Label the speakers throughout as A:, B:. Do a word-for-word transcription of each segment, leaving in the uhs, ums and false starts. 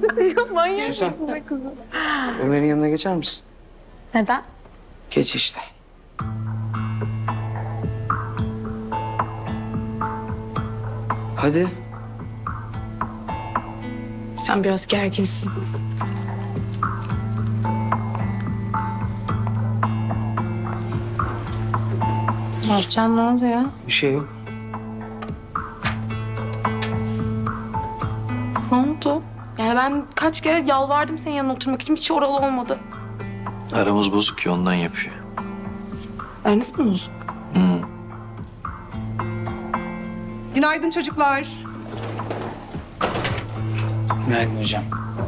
A: Manyak
B: Süsen.
A: mısın be kızım?
B: Ömer'in yanına geçer misin?
A: Neden?
B: Geç işte. Hadi.
A: Sen biraz gerginsin. Can ne oldu ya?
B: Bir şey yok.
A: Ne oldu? Yani ben kaç kere yalvardım senin yanına oturmak için, hiç oralı olmadı.
C: Aramız bozuk ya, ondan yapıyor.
A: Aranız mı bozuk?
C: Hı.
D: Günaydın çocuklar.
B: Günaydın hocam.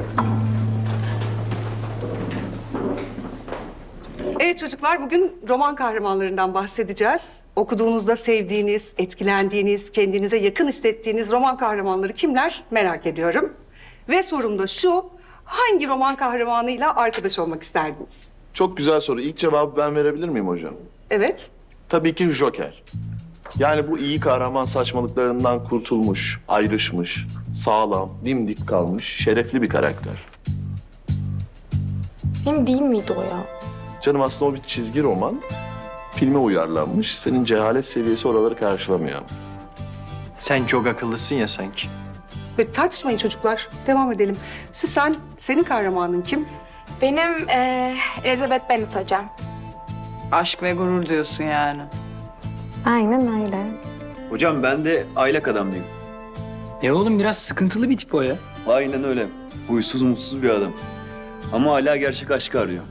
D: Evet çocuklar, bugün roman kahramanlarından bahsedeceğiz. Okuduğunuzda sevdiğiniz, etkilendiğiniz, kendinize yakın hissettiğiniz roman kahramanları kimler merak ediyorum. Ve sorum da şu, hangi roman kahramanıyla arkadaş olmak isterdiniz?
E: Çok güzel soru. İlk cevabı ben verebilir miyim hocam?
D: Evet,
E: Tabii ki Joker. Yani bu iyi kahraman saçmalıklarından kurtulmuş, ayrışmış, sağlam, dimdik kalmış, şerefli bir karakter.
A: Benim değil miydi o ya?
E: Canım aslında o bir çizgi roman. Filme uyarlanmış. Senin cehalet seviyesi oraları karşılamıyor.
C: Sen çok akıllısın ya sanki.
D: ve tartışmayın çocuklar. Devam edelim. Süsen, senin kahramanın kim?
A: Benim eee Elizabeth Bennet hocam.
F: Aşk ve gurur diyorsun yani.
A: Aynen öyle.
G: Hocam ben de aylak adamlıyım.
B: E oğlum biraz sıkıntılı bir tip o ya.
G: Aynen öyle. Huysuz mutsuz bir adam. Ama hala gerçek aşkı arıyor.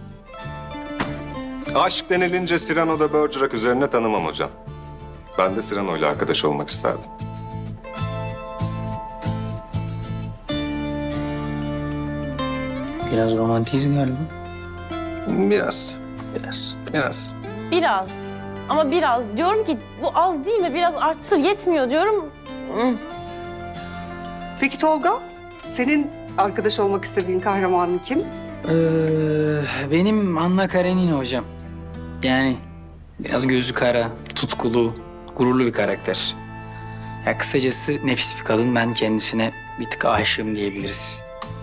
H: Aşk denilince Cyrano da Bergerac üzerine tanımam hocam. Ben de Cyrano ile arkadaş olmak isterdim.
B: Biraz romantiyiz galiba.
H: Biraz,
C: Biraz.
H: biraz.
I: Biraz. Ama biraz. Diyorum ki bu az değil mi? Biraz arttır. Yetmiyor diyorum. Hı.
D: Peki Tolga, senin arkadaş olmak istediğin kahramanın kim?
B: Ee, benim Anna Karenina hocam. Yani biraz gözü kara, tutkulu, gururlu bir karakter. Ya kısacası nefis bir kadın. Ben kendisine bir tık aşığım diyebiliriz.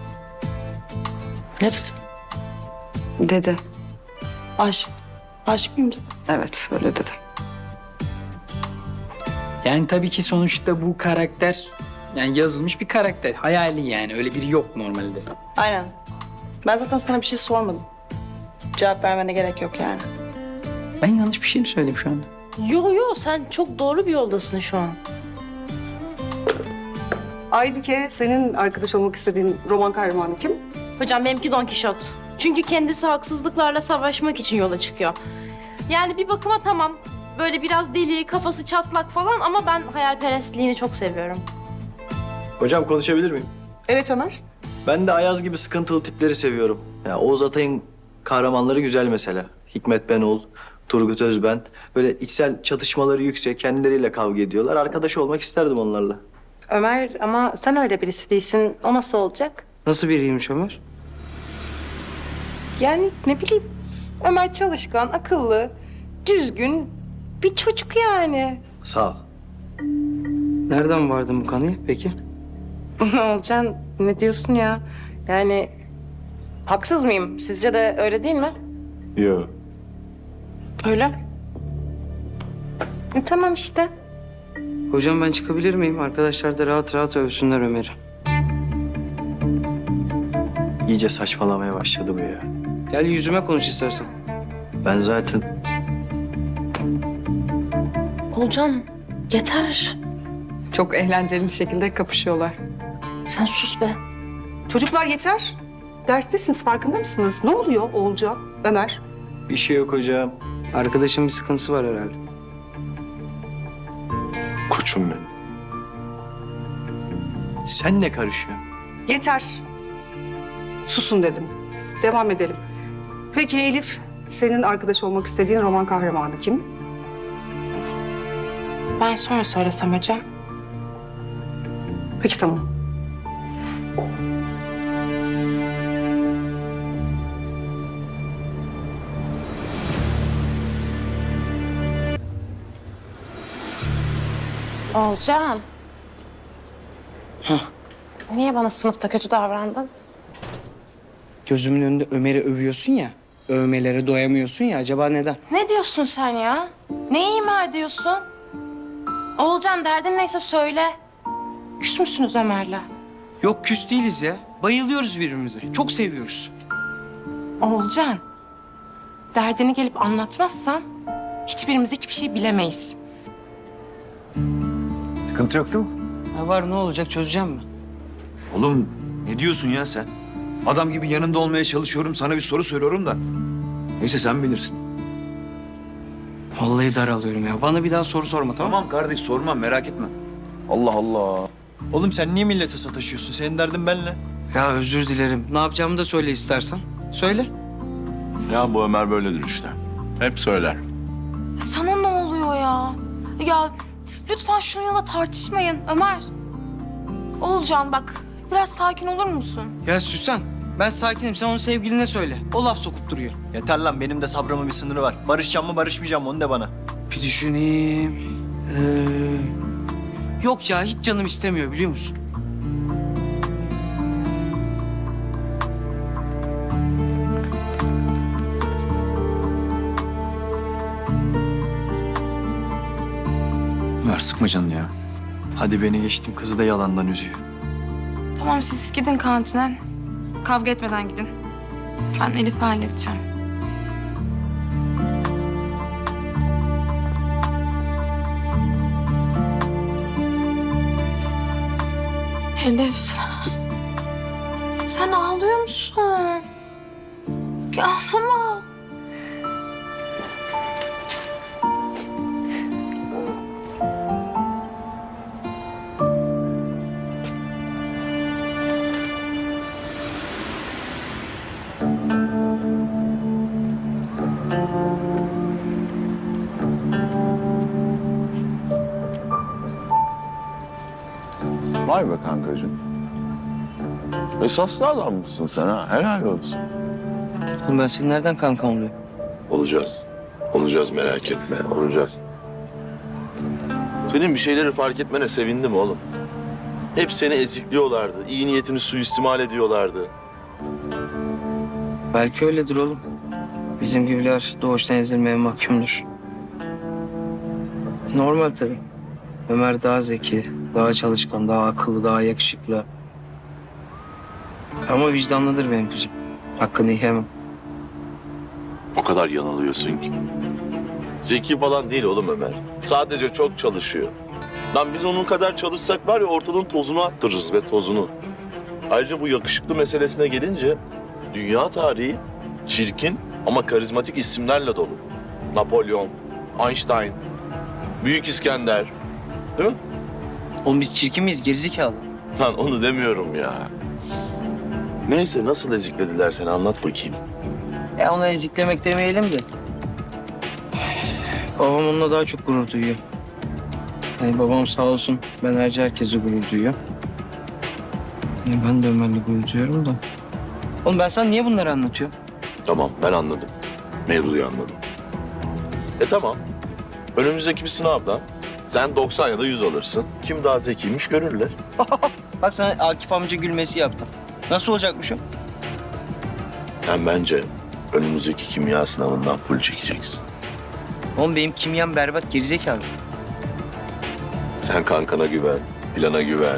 F: Ne dedin?
D: Dede.
F: Aşk. Aşık mıyım? Evet, öyle dedi.
B: Yani tabii ki sonuçta bu karakter yani yazılmış bir karakter. Hayali yani. Öyle biri yok normalde.
F: Aynen. Ben zaten sana bir şey sormadım. Cevap vermene gerek yok yani.
B: Ben yanlış bir şey mi söyledim şu anda?
I: Yo yo sen çok doğru bir yoldasın şu an.
D: Aybike, senin arkadaş olmak istediğin roman kahramanı kim?
I: Hocam benimki Don Kişot. Çünkü kendisi haksızlıklarla savaşmak için yola çıkıyor. Yani bir bakıma tamam. Böyle biraz deli, kafası çatlak falan ama ben hayalperestliğini çok seviyorum.
C: Hocam konuşabilir miyim?
D: Evet Ömer.
C: Ben de Ayaz gibi sıkıntılı tipleri seviyorum. Ya Oğuz Atay'ın kahramanları güzel mesela. Hikmet Benol, Turgut Özben. Böyle içsel çatışmaları yüksek, kendileriyle kavga ediyorlar. Arkadaş olmak isterdim onlarla.
A: Ömer ama sen öyle birisi değilsin. O nasıl olacak?
B: Nasıl biriymiş Ömer?
F: Yani ne bileyim. Ömer çalışkan, akıllı, düzgün bir çocuk yani.
C: Sağ ol.
B: Nereden vardın bu kanıya peki?
A: Olcan ne diyorsun ya? Yani haksız mıyım? Sizce de öyle değil mi?
E: Yok.
F: Öyle.
A: E, tamam işte.
B: Hocam ben çıkabilir miyim? Arkadaşlar da rahat rahat övsünler Ömer'i.
C: İyice saçmalamaya başladı bu ya.
B: Gel yüzüme konuş istersen.
C: Ben zaten
I: Olcan yeter.
F: Çok eğlenceli şekilde kapışıyorlar.
I: Sen sus be.
D: Çocuklar yeter. Derstesiniz, farkında mısınız? Ne oluyor Oğulcan, Ömer?
C: bir şey yok hocam.
B: Arkadaşın bir sıkıntısı var herhalde.
E: Koçum benim.
C: Sen ne karışıyorsun?
D: Yeter. Susun dedim. Devam edelim. Peki Elif, senin arkadaş olmak istediğin roman kahramanı kim?
A: Ben sonra söylesem hocam.
D: Peki tamam.
A: Olcan. Niye bana sınıfta kötü davrandın?
J: gözümün önünde Ömer'i övüyorsun ya. Övmelere doyamıyorsun ya. Acaba neden?
A: Ne diyorsun sen ya? Neyi ima ediyorsun? Oğulcan derdin neyse söyle. Küs müsünüz Ömer'le?
J: Yok küs değiliz ya. Bayılıyoruz birbirimize. Çok seviyoruz.
A: Oğulcan, derdini gelip anlatmazsan hiçbirimiz hiçbir şey bilemeyiz.
G: Sıkıntı yok değil mi?
J: Ha var ne olacak çözeceğim mi?
G: Oğlum ne diyorsun ya sen? Adam gibi yanında olmaya çalışıyorum. Sana bir soru soruyorum da. Neyse sen bilirsin.
J: Vallahi daralıyorum ya. Bana bir daha soru sorma tamam mı?
G: Tamam kardeş sormam merak etme.
E: Allah Allah.
C: Oğlum sen niye millete sataşıyorsun? Senin derdin benle.
J: Ya özür dilerim. Ne yapacağımı da söyle istersen. Söyle.
E: Ya bu Ömer böyledir işte. Hep söyler.
I: Sana ne oluyor ya? Ya lütfen şununla tartışmayın Ömer. Oğulcan bak biraz sakin olur musun?
J: Ya Süsen, ben sakinim. Sen onun sevgiline söyle. O laf sokup duruyor.
C: Yeter lan benim de sabrımın bir sınırı var. Barışacağım mı barışmayacağım mı onu de bana.
J: Bir düşüneyim. Ee, Yok ya hiç canım istemiyor biliyor musun?
G: Ömer sıkma canını ya.
C: Hadi beni geçtim kızı da yalandan üzüyor.
I: Tamam siz gidin kantine. Kavga etmeden gidin. Ben Elif'i halledeceğim. Elif. Sen ağlıyor musun? Ya ağlama.
E: Vay be kankacığım. Esaslı adammışsın sen ha. Helal olsun.
J: Oğlum ben senin nereden kankam oluyor?
E: Olacağız. Olacağız merak etme. Olacağız. Senin bir şeyleri fark etmene sevindim oğlum. Hep seni ezikliyorlardı. İyi niyetini suistimal ediyorlardı.
J: Belki öyledir oğlum. Bizim gibiler doğuştan ezilmeye mahkumdur. Normal tabii. Ömer daha zeki, daha çalışkan, daha akıllı, daha yakışıklı. Ama vicdanlıdır benim kızım. Hakkını yiyemem.
E: O kadar yanılıyorsun ki. Zeki falan değil oğlum Ömer. Sadece çok çalışıyor. Lan biz onun kadar çalışsak var ya ortalığın tozunu attırırız ve tozunu. Ayrıca bu yakışıklı meselesine gelince dünya tarihi çirkin ama karizmatik isimlerle dolu. Napolyon, Einstein, Büyük İskender. Değil mi?
J: Oğlum biz çirkin miyiz? Gerizekalı.
E: Lan onu demiyorum ya. Neyse nasıl eziklediler seni anlat bakayım.
J: Ya onu eziklemek demeyelim de. Babam onunla daha çok gurur duyuyor. Yani babam sağ olsun ben harici herkese gurur duyuyor. Yani ben de Ömer'le gurur duyuyorum da. Oğlum ben sana niye bunları anlatıyorum?
E: Tamam ben anladım. Mevzuyu anladım. E tamam. Önümüzdeki bir sınavdan sen doksan ya da yüz alırsın. Kim daha zekiymiş görürler.
J: Bak sana Akif amca gülmesi yaptım. Nasıl olacakmış o?
E: Sen bence önümüzdeki kimya sınavından full çekeceksin.
J: Oğlum benim kimyam berbat gerizekalı.
E: Sen kankana güven, plana güven.